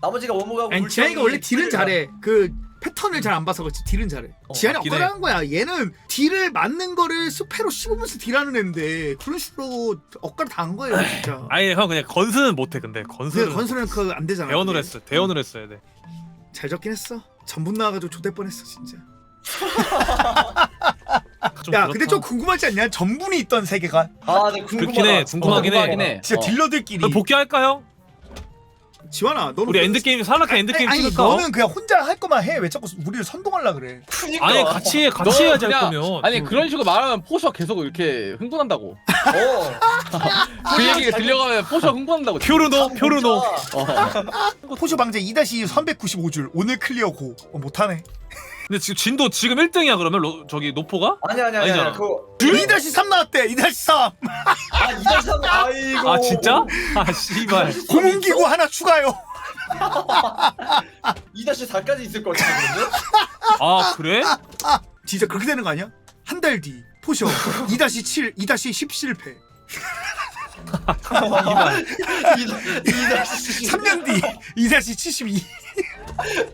나머지가 원목하고 아니 지한이가 원래 딜은 잘해. 그 패턴을 잘 안 봐서 그렇지 딜은 잘해. 지한이 맞긴 해. 엇갈하는 거야. 얘는 딜을 맞는 거를 스페로 씹으면서 딜하는 애인데 그런 식으로 엇갈 다한 거예요 진짜. 아니 형 그냥 건수는 못해 근데 근데 건수는 건설은 그 안 되잖아. 대원을 했어. 대원을 했어야 돼. 잘 적긴 했어. 전분 나와가지고 조대 뻔했어 진짜. 야 근데 좀 궁금하지 않냐? 전분이 있던 세계관. 아, 네, 그렇긴 해. 궁금하긴 해. 진짜 딜러들끼리. 그럼 복귀할까 형? 지환아 너는 우리 엔드게임 산락해 엔드게임 아니 찍을까? 너는 그냥 혼자 할 거만 해. 왜 자꾸 우리를 선동하려 그래? 그니까. 아니 같이 너 해야지 할 그냥- 거면. 아니 그런 식으로 말하면 포셔 계속 이렇게 흥분한다고. 그 얘기 들려가면 포셔 흥분한다고. 표르노. 포쇼 방제 2-2 395줄 오늘 클리어 고. 못하네. 근데 지금 진도 지금 1등이야 그러면 저기 노포가? 아니야. 아니잖아. 그거 2-3 나왔대. 2-3 아, 이달상 아이고. 아 진짜? 아 씨발. 고문기구 하나 추가요. 2-4까지 있을 것 같은데. 아 그래? 진짜 그렇게 되는 거 아니야? 한 달 뒤 포쇼 2-7 2-10 실패. 3년 뒤 2-72